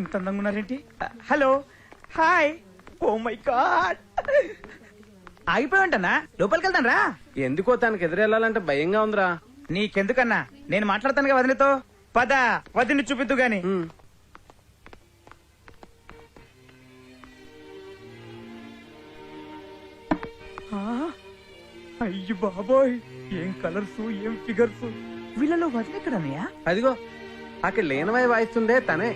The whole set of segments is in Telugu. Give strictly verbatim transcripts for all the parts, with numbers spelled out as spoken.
ఇంత అందంగా ఉన్నారేంటి? Hello, hi, oh my god. ఆగిపోయావంటన్నా, లోపలికి వెళ్తాను రా. ఎందుకో తనకి ఎదురెళ్ళాలంటే భయంగా ఉందిరా. నీకెందుకన్నా, నేను మాట్లాడతానుగా వదినతో. పద, వదిని చూపిద్దు గాని. అయ్యి బాబోయ్, ఏం కలర్స్, ఏం ఫిగర్స్. వీళ్ళలో వదిన ఎక్కడన్నయ్యా? అదిగో అక్కడ లేనవై వాయిస్తుందే తనే.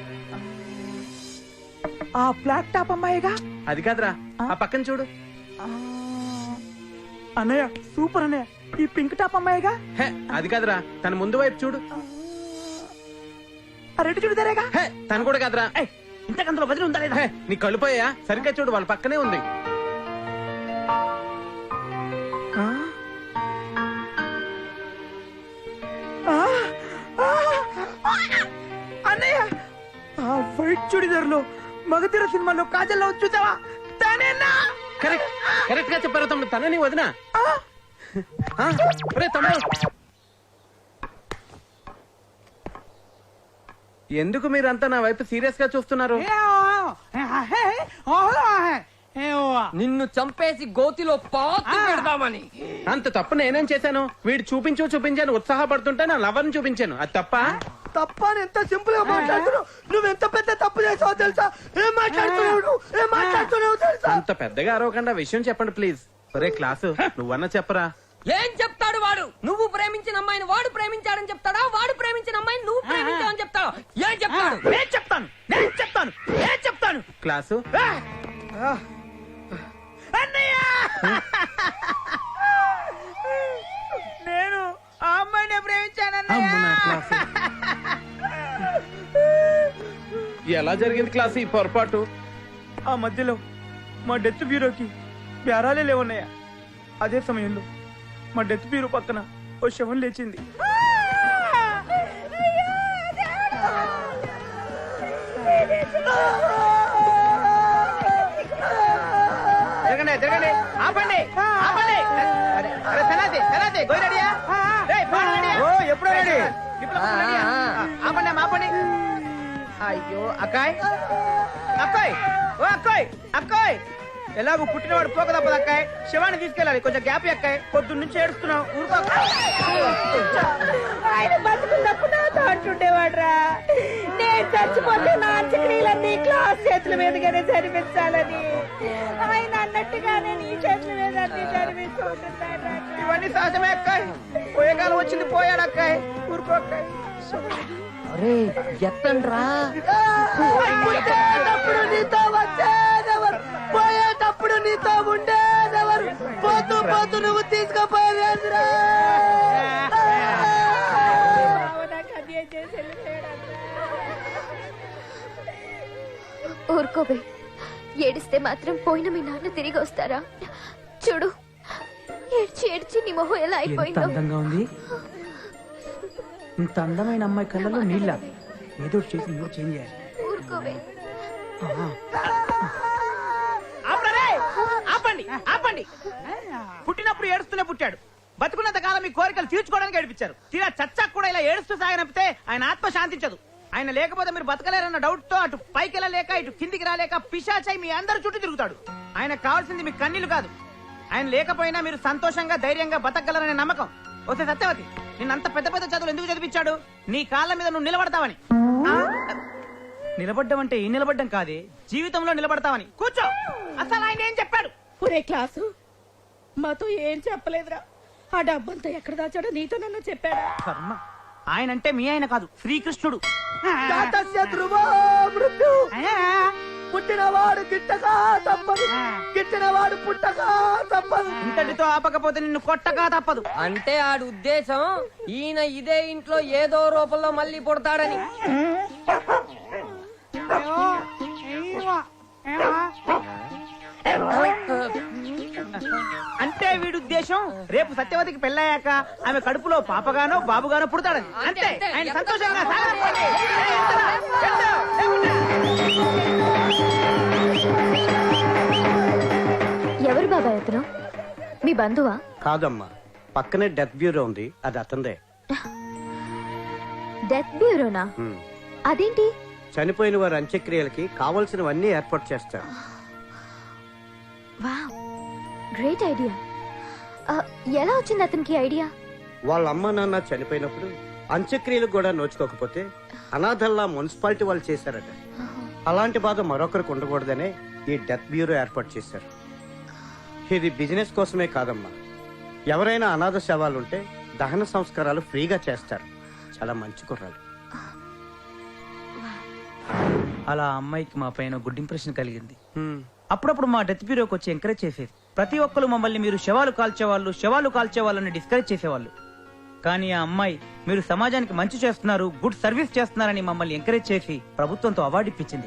ఆ బ్లాక్ టాప్ అమ్మాయిగా? అది కాదురా, ఆ పక్కన చూడు. అన్నయ్య సూపర్ అన్నయ్య. ఈ పింక్ టాప్ అమ్మాయిగా? హే, అది కాదురా, తన ముందు వైపు చూడు. రెడ్డి చూడదారేగా? హే, తను కూడా కాదురా. ఇంతకంతలో వదిలి ఉందా లేదా? నీ కళ్ళు పోయా? సరిగ్గా చూడు, వాళ్ళ పక్కనే ఉంది. అన్నయ్య, ఆ వైట్ చుడిదార్లో మగధీర సినిమాలో కాజల్లో చూసావా? తనేనా? కరెక్ట్ కరెక్ట్ గా చెప్పారు తమ్ముడు, తన నీ వదిన. తమ్ముడు, ఎందుకు మీరంతా నా వైపు సీరియస్ గా చూస్తున్నారు? నిన్ను చంపేసి గోతిలో పాతి పెడదామని. అంత తప్పు నేనేం చేశాను? వీడు చూపించు చూపించాను ఉత్సాహపడుతుంటే నా లవర్ని చూపించాను. అది తప్ప? తప్ప ఎంత సింపుల్ గా మాట్లాడుతున్నావు. నువ్వెంత పెద్ద తప్పు చేసావో తెలుసా? ఏం మాట్లాడుతున్నావు? ఏం మాట్లాడుతున్నావు తెలుసా? అంత పెద్దగా అరవకుండా విషయం చెప్పండి ప్లీజ్. ఒరే క్లాసు, నువ్వన్నా చెప్పరా. ఏం చెప్తాడు వాడు? నువ్వు ప్రేమించిన అమ్మాయిని వాడు ప్రేమించాడని చెప్తాడా? వాడు ప్రేమించిన అమ్మాయిని నువ్వు ప్రేమించావని చెప్తావా? ఏం చెప్తాడు? నేను చెప్తాను, నేను చెప్తాను, నేను చెప్తాను. క్లాసు, అన్నయ్య, నేను ఆ అమ్మాయిని ప్రేమించానన్నయ్య. ఎలా జరిగింది క్లాసు ఈ పొరపాటు? ఆ మధ్యలో మా డెత్ బ్యూరోకి బేరాలే లేవన్నయ్య. అదే సమయంలో మా డెత్ బ్యూరో పక్కన ఓ శవం లేచింది. జరగండి జరగండి, ఆపండి ఆపండి. అరే సనాతి సనాతి గోయి రెడీయా? ఎప్పుడో రెడీ. ఆపండి ఆపండి. అయ్యో అక్కాయ్, అక్కాయ్, ఓ అక్కాయ్, అక్కాయ్, ఎలాగో పుట్టినవాడు పోక తప్పదు అక్కాయ్. శివాన్ని తీసుకెళ్ళాలి, కొంచెం గ్యాప్ అక్కాయ్. పొద్దున్న నుంచి ఏడుస్తున్నావు. ఊరుకో. ఆయన బతుకున్నప్పుడు నాతో అంటుండేవాడు రా, నేను చచ్చిపోతే నా అంత్యక్రియలన్నీ క్లాస్ చేతుల మీదుగానే జరిపించాలని. ఆయన అన్నట్టుగానే నీ చేతుల మీద అన్ని జరిపిస్తుంటున్నాడు. ఇవన్నీ సహజమే అక్కాయ్. పోయే కాలం వచ్చింది, పోయాడు అక్కాయ్. ఊరుకో అక్కాయ్. అరే ఎత్తండ్రా. పుట్టేటప్పుడు నీతో వచ్చేదెవరు, పోయేటప్పుడు నీతో ఉండేదెవరు, పోతూ పోతూ నువ్వు తీసుకుపోయేదిరా. ఊరుకోబే, ఏడిస్తే మాత్రం పోయిన మీ నాన్న తిరిగి వస్తారా? చూడు, ఏడ్చి ఏడ్చి నీ మొహం ఎలా అయిపోయిందో. అందంగా ఉంది. ఇంత అందమైన అమ్మాయి కళ్ళలో నీళ్ళ. ఏదో చేసి నువ్వు చేంజ్ చేయాలి. ఊరుకోబే. ఆపండి ఆపండి. పుట్టినప్పుడు ఏడుస్తూనే పుట్టాడు. బతుకున్నంత కాలం మీ కోరికలు తీర్చుకోవడానికి ఏడిపించారు. తీరా చచ్చాక కూడా ఇలా ఏడుస్తూ సాగనంపితే ఆయన ఆత్మ శాంతించదు. ఆయన లేకపోతే మీరు బతకలేరన్న డౌట్ తో అటు పైకి వెళ్ళలేక ఇటు కిందికి రాలేక పిశాచై మీ అందరి చుట్టూ తిరుగుతాడు. ఆయన కావాల్సింది మీ కన్నీళ్లు కాదు. ఆయన లేకపోయినా మీరు సంతోషంగా ధైర్యంగా బతకగలరనే నమ్మకం. వస్తే సత్యవతి, నిన్నంత పెద్ద పెద్ద చదువులు ఎందుకు చదివించాడు? నీ కాళ్ళ మీద నువ్వు నిలబడతావని. నిలబడ్డం అంటే ఈ నిలబడ్డం కాదే, జీవితంలో నిలబడతావని. కూర్చో. అసలు ఆయన ఏం చెప్పాడు? ఒరే క్లాసు, మాతో ఏం చెప్పలేదురా. ఆ డబ్బంతా ఎక్కడ దాచాడో నీతో నన్ను చెప్పాడా? కర్మ. ఆయన అంటే మీ ఆయన కాదు, శ్రీకృష్ణుడు. పుట్టినవాడు గిట్టగా తప్పదు, గిట్టినవాడు పుట్టగా తప్పదు. ఇంతటితో ఆపకపోతే నిన్ను కొట్టగా తప్పదు. అంటే ఆడు ఉద్దేశం ఈయన ఇదే ఇంట్లో ఏదో రూపంలో మళ్ళీ పుడతాడని. అంటే వీడి ఉద్దేశం రేపు సత్యవతికి పెళ్ళయ్యాక ఆమె కడుపులో పాపగానో బాబుగానో పుడతాడని. అంతే. ఆయన సంతోషంగా సాగనివ్వండి. ఎవరు బాబాయ్ అతను? మీ బంధువా? కాదమ్మా, పక్కనే డెత్ బ్యూరో ఉంది, అది అతందే. డెత్ బ్యూరోనా? అదేంటి? చనిపోయిన వారి అంత్యక్రియలకి కావలసినవన్నీ ఏర్పాటు చేస్తారు. Wow, great idea. ఎలా వచ్చింది అతనికి ఐడియా? వాళ్ళ అమ్మ నాన్న చనిపోయినప్పుడు అంత్యక్రియలకు కూడా నోచుకోకపోతే అనాథల్లా మున్సిపాలిటీ వాళ్ళు చేశారట. అలాంటి బాధ మరొకరికి ఉండకూడదనే ఈ డెత్ బ్యూరో ఏర్పాటు చేశారు. ఇది బిజినెస్ కోసమే కాదమ్మా, ఎవరైనా అనాథ శవాలుంటే దహన సంస్కారాలు ఫ్రీగా చేస్తారు. చాలా మంచి కుర్రాలు. అలా ఆ అమ్మాయికి మా పైన గుడ్ ఇంప్రెషన్ కలిగింది. అప్పుడప్పుడు మా డెత్ బ్యూరోకి వచ్చి ఎంకరేజ్ చేసేది. ప్రతి ఒక్కరు మమ్మల్ని మీరు శవాలు కాల్చేవాళ్ళు శవాలు కాల్చేవాళ్ళని డిస్కరేజ్ చేసేవాళ్ళు. కానీ ఆ అమ్మాయి మీరు సమాజానికి మంచి చేస్తున్నారు, గుడ్ సర్వీస్ చేస్తున్నారని మమ్మల్ని ఎంకరేజ్ చేసి ప్రభుత్వంతో అవార్డు ఇప్పించింది.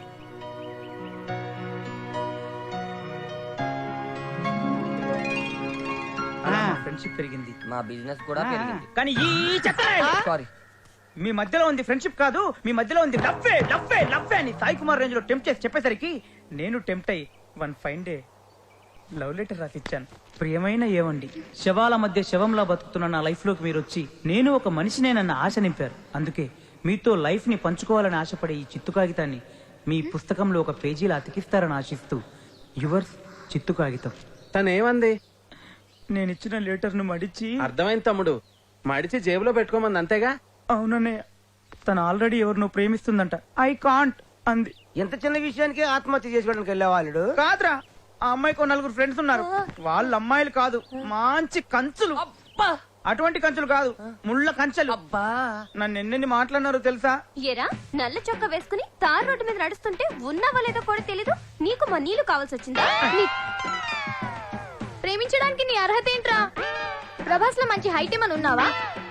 ఫ్రెండ్షిప్ పెరిగింది, మా బిజినెస్ కూడా పెరిగింది. కానీ ఈ చెత్త సారీ, మీ మధ్యలో ఉంది ఫ్రెండ్షిప్ కాదు, మీ మధ్యలో ఉంది లవ్వే లవ్వే లవ్వే అని సాయి కుమార్ రేంజ్ లో టెంప్ట్ చేసి చెప్పేసరికి నేను టెంప్ట్ అయ్యి one fine day love letter రాసిచ్చాను. ప్రియమైన ఏవండి, శవాల మధ్య శవంలా బతుకుతున్న నా లైఫ్ లోకి మీరు వచ్చి నేను ఒక మనిషినేనన్న ఆశ నింపారు. అందుకే మీతో లైఫ్ ని పంచుకోవాలని ఆశపడే ఈ చిత్తు కాగితాన్ని మీ పుస్తకంలో ఒక పేజీలా అతికిస్తారని ఆశిస్తూ యువర్స్ చిత్తు కాగితం. తనేమంది? నేను ఇచ్చిన లెటర్ ను మడిచి అర్థమైంది తమ్ముడు, మడిచి జేబులో పెట్టుకోమంది అంతేగా? అవుననే, తను ఆల్రెడీ ఎవరినో ప్రేమిస్తుందంట. ఐ కాంట్ అంది. ఎంత చిన్న విషయానికి ఆత్మహత్య చేసుకోవడానికి వెళ్ళేవాళ్ళు కాదురా, ఆ అమ్మాయికి ఓ నలుగురు ఫ్రెండ్స్ ఉన్నారు. వాళ్ళ అమ్మాయిలు కాదు, మంచి కంచులు. అబ్బా అటువంటి కంచులు కాదు, ముళ్ళ కంచెలు. అబ్బా, నన్ను ఎన్నెన్ని మాట్లాడినారో తెలుసా? ఎరా నల్ల చొక్క వేసుకుని తార్ రోడ్డు మీద నడుస్తుంటే ఉన్నావా లేదో కూడా తెలీదు. నీకు మా నీళ్లు కావాల్సి వచ్చిందా? నీ- ప్రేమించడానికి నీ అర్హత ఏంట్రా? ప్రభాస్ లో మంచి హైట్ ఏమని ఉన్నావా?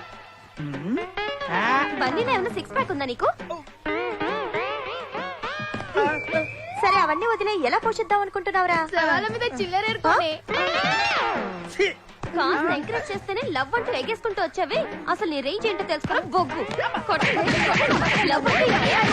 బండిలో ఏమైనా సిక్స్ ప్యాక్ ఉందా నీకు? సరే అవన్నీ వదిలే ఎలా పోషిద్దాం అనుకుంటున్నావురా? సవాల మీద చిల్లరేరుకోనే కాస్త ఎంకరేజ్ చేస్తేనే లవ్ అంటూ ఎగేసుకుంటూ వచ్చావే. అసలు నీ రేంజ్ ఏంటో తెలుసుకోరా బొగ్గు. లవ్ అంటే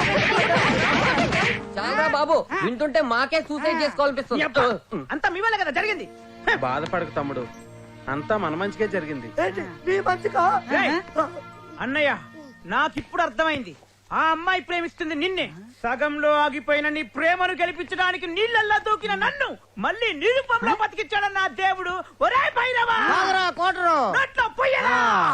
చాలా బాబు, వింటుంటే మాకే సూసైడ్ చేసుకోవాలనిపిస్తుంది. అంతా మీ వల్ల కదా జరిగింది. బాధపడకు తమ్ముడు, అంతా మన మంచిగా జరిగింది. ఏయ్, అన్నయ్య నాకిప్పుడు అర్థమైంది. ఆ అమ్మాయి ప్రేమిస్తుంది నిన్నే. సగంలో ఆగిపోయిన నీ ప్రేమను గెలిపించడానికి నీళ్ళల్లా దూకిన నన్ను మళ్ళీ నిరుపంలో బతికించాడన్న ఆ దేవుడు. ఒరే భైరవా, నోట్లో పొయ్యరా.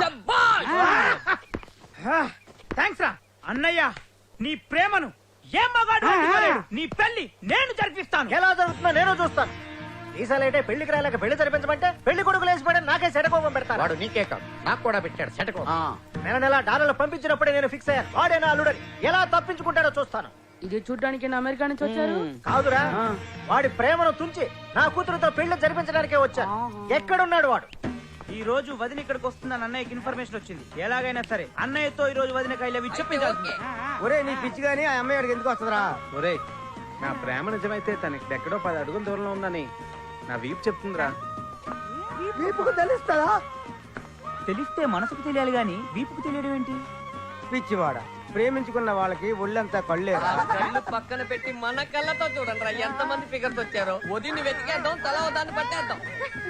థ్యాంక్స్ రా అన్నయ్య. నీ ప్రేమను ఏ మగాడు ఆపుకోలేడు. నీ పెళ్లి నేను జరిపిస్తాను. ఎలా జరుగుతుందో నేను చూస్తాను. ఈసారి పెళ్లికి రాలేక పెళ్లి జరిపించమంటే పెళ్లి కొడుకులు వేసిపోయాడు. నాకే సెటకోపం పెడతాను. వాడు నీకే కాదు నాకు కూడా పెట్టాడు సెటకోపం. నెల నెల డాలర్లు పంపించినప్పుడే నేను ఫిక్స్ అయ్యాను. వాడే నా అల్లుడని. ఎలా తప్పించుకుంటాడో చూస్తాను. ఇది చూడడానికి అమెరికా నుంచి వచ్చారు. కాదురా, వాడి ప్రేమను తుంచి నా కూతురుతో పెళ్లి జరిపించడానికే వచ్చాను. ఎక్కడున్నాడు వాడు? ఈ రోజు వదిన ఇక్కడికి వస్తుందని అన్నయ్యకి ఇన్ఫర్మేషన్ వచ్చింది. ఎలాగైనా సరే అన్నయ్యతో ఈ రోజు వదిన కైలవి చెప్పించాల్సింది. ఒరే నీ పిచ్చి గాని ఆ అమ్మాయి వాడికి ఎందుకు వస్తుందిరా? ఒరేయ్, నా ప్రేమ నిజమైతే తనకి ఎక్కడో పది అడుగుల దూరంలో ఉందని నా వీపు చెప్తుందిరా. తెలుస్తుందా? తెలిస్తే మనసుకు తెలియాలి గాని వీపుకు తెలియడం ఏంటి? పిచ్చివాడ, ప్రేమించుకున్న వాళ్ళకి ఒళ్ళంతా కళ్ళేరా? కళ్ళు పక్కన పెట్టి మన కళ్ళతో చూడండి రా ఎంత మంది ఫిగర్స్ వచ్చారో. వదిని వెతికేద్దాం, తల దాన్ని పట్టేద్దాం.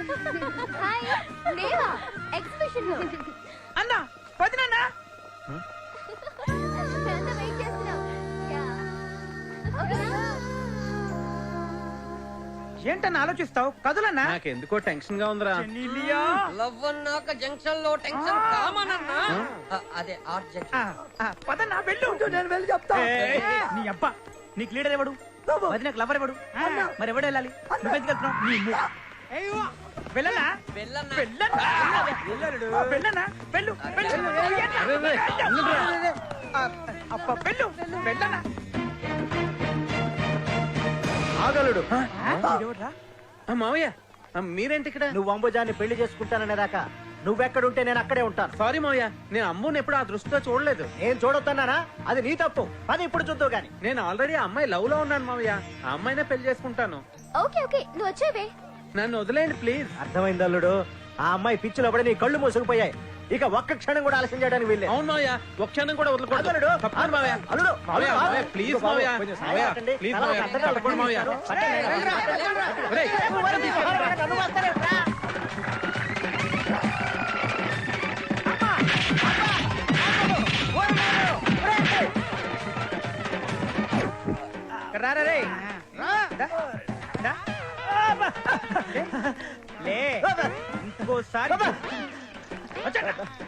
లేవా ఎగ్జిబిషన్ లో అన్న వదినన్నా వెయిట్ చేస్తున్నాం. ఓకేనా? ఏంటన్నా ఆలోచిస్తావు? కదులన్నా. నాకెందుకో టెన్షన్ గా ఉందిరా. చెన్నీలియా. లవ్ అన్నాక జంక్షన్ లో టెన్షన్ కామన్ అన్నా. అ- అదే ఆర్ట్ ఆ, జంక్షన్. ఆ, పదన్నా వెళ్ళు. నేను వెళ్ళి చెప్తా. ఏయ్, నీ అబ్బా నీకు లీడర్ ఎవడు? వదినకు లవర్ ఎవడు? మరి ఎవడు వెళ్ళాలి? నువ్వెందుకు వెళ్తున్నావు? నీ ము- అయ్యో, వెళ్ళనా? వెళ్ళన్నా. వెళ్ళనా? ఆ, వెళ్ళనా? వెళ్ళు, వెళ్ళు. ఆ, అబ్బా, వెళ్ళు, వెళ్ళనా? ఆగలుడు. ఎవడ్రా? ఆ, మావయ్య, ఆ, మీరేంటి ఇక్కడ? నువ్వు అంబుజాన్ని పెళ్లి చేసుకుంటాననేదాకా నువ్వెక్కడుంటే నేను అక్కడే ఉంటాను. సారీ మావయ్య, నేను అమ్ముని ఎప్పుడు ఆ దృష్టితో చూడలేదు. నేను చూడొద్దన్నానా? అది నీ తప్పు. అది ఇప్పుడు చూద్దావు గాని. నేను ఆల్రెడీ ఆ అమ్మాయి లవ్ లో ఉన్నాను మావయ్య. ఆ అమ్మాయినే పెళ్లి చేసుకుంటాను. ఓకే ఓకే నువ్వు వచ్చేవే. నన్ను వదిలేయండి ప్లీజ్. అర్థమైంది అల్లుడు. ఆ అమ్మాయి పిచ్చిలో పడి నీ కళ్ళు మూసుకుపోయాయి. ఇక ఒక్క క్షణం కూడా ఆలస్యం చేయడానికి వీల్లేదు. అవును మావయ్య, ఒక్క క్షణం కూడా వదలకూడదు. అల్లుడు, తప్పకుండా మావయ్య. అల్లుడు, మావయ్య, అల్లుడు, మావయ్య, ప్లీజ్ ఇదిగో బాబు, మావయ్య. కొంచెం సాయం మావయ్య, పట్టండి. ప్లీజ్ తల మావయ్య, పట్టండి, తప్పకుండా మావయ్య. పట్టండి. ఒరేయ్, నన్ను వస్తారేంట్రా? ఇక్కడ రారా రే దా, దా. లే ఇంకోసారి వచ్చా.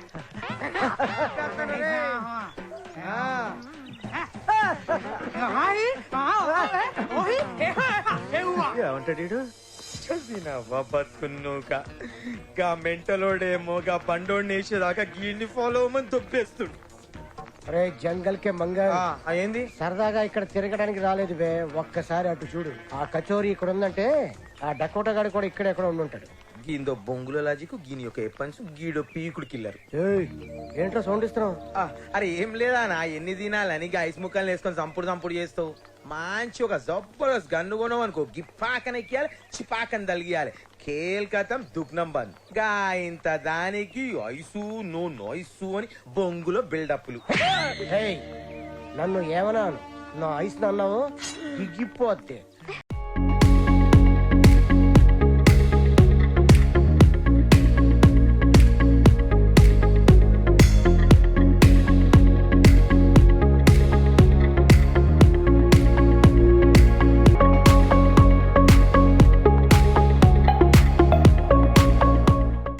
ఏమంటాడు బతుకున్నావుగా గా మెంటలోడేమో గా బండోడిని వేసేదాకా గీడిని ఫాలో అవ్వమని దొబ్బేస్తుడు. అరే జంగల్ కే మంగ ఏంది సరదాగా ఇక్కడ తిరగడానికి రాలేదు బే, ఒక్కసారి అటు చూడు. ఆ కచోరీ ఇక్కడ ఉందంటే ఆ డకోటా గాడి కూడా ఇక్కడ ఎక్కడ ఉండుంటాడు. గీందో బొంగుల లాజిక్ గీని ఒక ఎప్పన్స్ గీడో పీకుడు కిల్లరు. ఏయ్, ఏంట్రా సౌండ్ ఇస్తున్నావు? అరే ఏం లేదా నా ఎన్ని తినాలని ఐస్ ముక్కలు వేసుకొని సంపుడు సంపుడు చేస్తావు. మంచి ఒక జబర్దస్త్ గన్ను కొనవు అనుకో, గిప్పాకన ఎక్కియాలి చిపాకని తలిగియాలి, కేల్కతం దుగ్నం బంద్. గా ఇంత దానికి ఐసు నో నోయిసు అని బొంగులో బిల్డప్లు. ఏయ్, నన్ను ఏమన్నాను? నా ఐస్ అన్నావు దిగిపోతే